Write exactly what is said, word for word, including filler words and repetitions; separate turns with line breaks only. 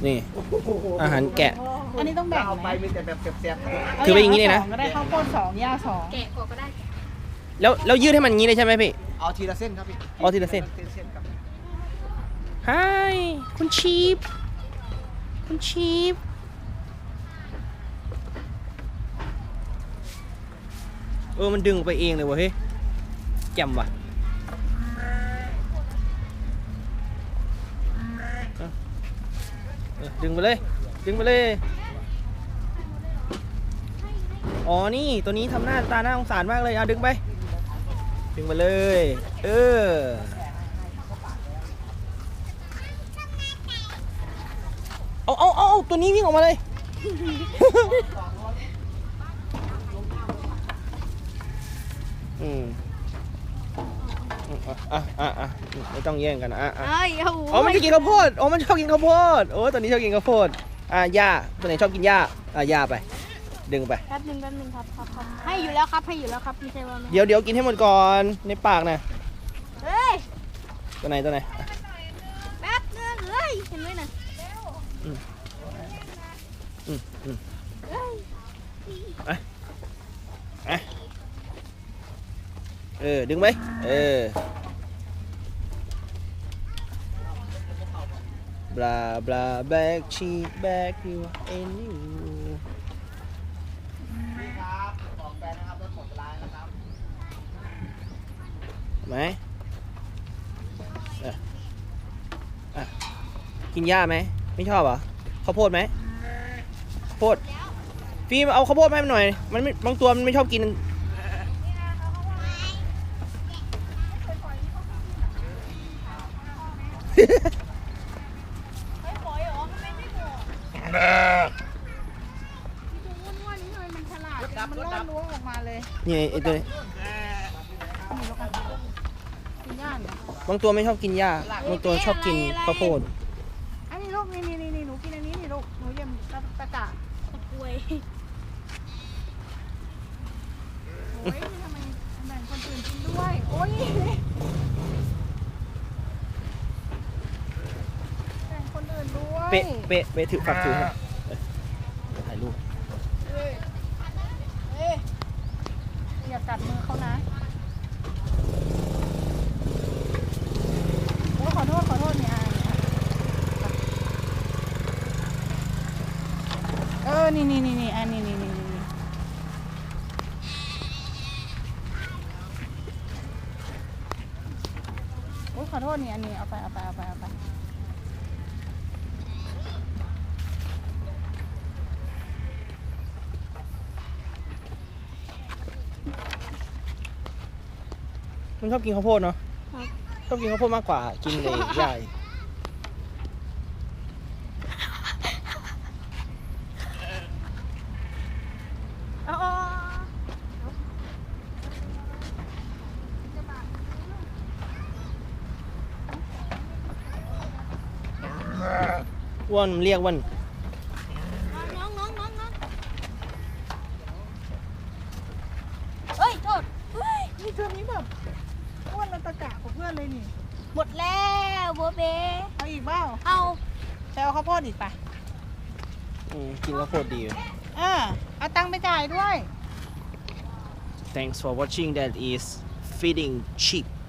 นี่อาหารแกะ
อันนี้ต้องแบ่ง
เอา
ไห
ไป
ม
มีแต่แบบเสียบ
ถือไปอย่างนี้เลยนะ
ก็ได้ข้าวโพดสองย่าสอง
แกะก่อนก็ได้
แล้วแล้วยืดให้มันอย่างนี้เลยใช่ไหมพี่
ๆเอาทีละเส้นครับพี่
เอาทีละเส้น
เส้นครับ
ฮายคุณชีฟคุณชีฟเออมันดึงออกไปเองเลยวะเฮ้ยแจ่มว่ะเออดึงไปเลยดึงไปเลยอ๋อนี่ตัวนี้ทำหน้าตาหน้าสงสารมากเลยเอาดึงไปดึงไปเลยเออเอาเอาเอาตัวนี้วิ่งออกมาเลย อืมอ่ะอ่ะอ่ะไม่ต้องแย่งกันนะอ่ะอ่ะ
เอ้ยโอ้โห
อ๋อมันจะกินข้าวโพดอ๋อมันชอบกินข้าวโพดโอ้ตัวนี้ชอบกินข้าวโพดอ่ะย่าตัวไหนชอบกินย่าอ่ะย่าไปดึงไป
แป๊บนึงแป๊บนึงครับครับครับให้อยู่แล้วครับให้อยู่แล้วครับไม่ใช่ว่าไม่
เดี๋ยวเดี๋ยวกินให้หมดก่อนในปากนะ
เฮ้ย
ตัวไหนตัวไหนอ่ะ
แป๊บนึงเฮ้ยเห็นไหมน่ะ
อืมอืม
เอ้ย
อ่ะอ่ะเออดึงไปเออบลาบลาแบกชีแบกยูเอ็นยู
นี่ครับของแฟนนะครับรถหมดเวลาแล้วครับ
ไหมอ่ะอ่ะกินหญ้าไหมไม่ชอบเหรอข้าวโพดไหมข้าวโพดฟิล์มเอาข้าวโพดมาให้มันหน่อยมันไม่บางตัวมันไม่ชอบกิน
เฮ้ยปล่อยเหรอทำไมไม่บอกที่ตัวอ้วนๆนี่ทำไมมันฉลาดจัง
มันล่อล้วงออกมาเลย
นี่ไอตัวนี้
นี่แล้วกันกินย่านเหรอบ
างตัวไม่ชอบกินหญ้าบางตัวชอบกินข้าวโพด
อันนี้ลูกนี่นี่นี่นี่หนูกินอันนี้นี่ลูกหนูเยี่ยมตะตะกะ
ตะกรวย
โอ้ยทำไมแบ่งคนอื่นกินด้วยโอ้ยแบ่งคนอื่นด้วย
เป๊ะเป๊ะเป๊ะถือฝักถือให้เอ้ยถ่ายรูป
เอ้ยเอ้ยอย่ากัดมือเขานะโอ้ยขอโทษขอโทษเนี่ยอ่ะเนี่ยเออนี่นี่นี่นี่อันนี้นี่นี่นี่นี่โอ้ยขอโทษนี่อันนี้เอาไปเอาไปเอาไปเอาไป
มันชอบกินข้าวโพดเนาะชอบกินข้าวโพดมากกว่ากินเลยหญ้าอีก
เอาเอา
อ้วนมันเรียกอ้วน
น้องน้องน้องน้องเฮ้ยโทษเฮ้ย
นี่ตัวนี้แบบอ้วนระตะกะของเพื่อนเลยนี่
หมดแล้วโบเบ
เอาอีกเปล่า
เอา
ไปเอาข้าวโพดอีกไป
อืมกินข้าวโพดดีอยู่
เออเอาตังค์ไปจ่ายด้วย
Thanks for watching that is feeding sheep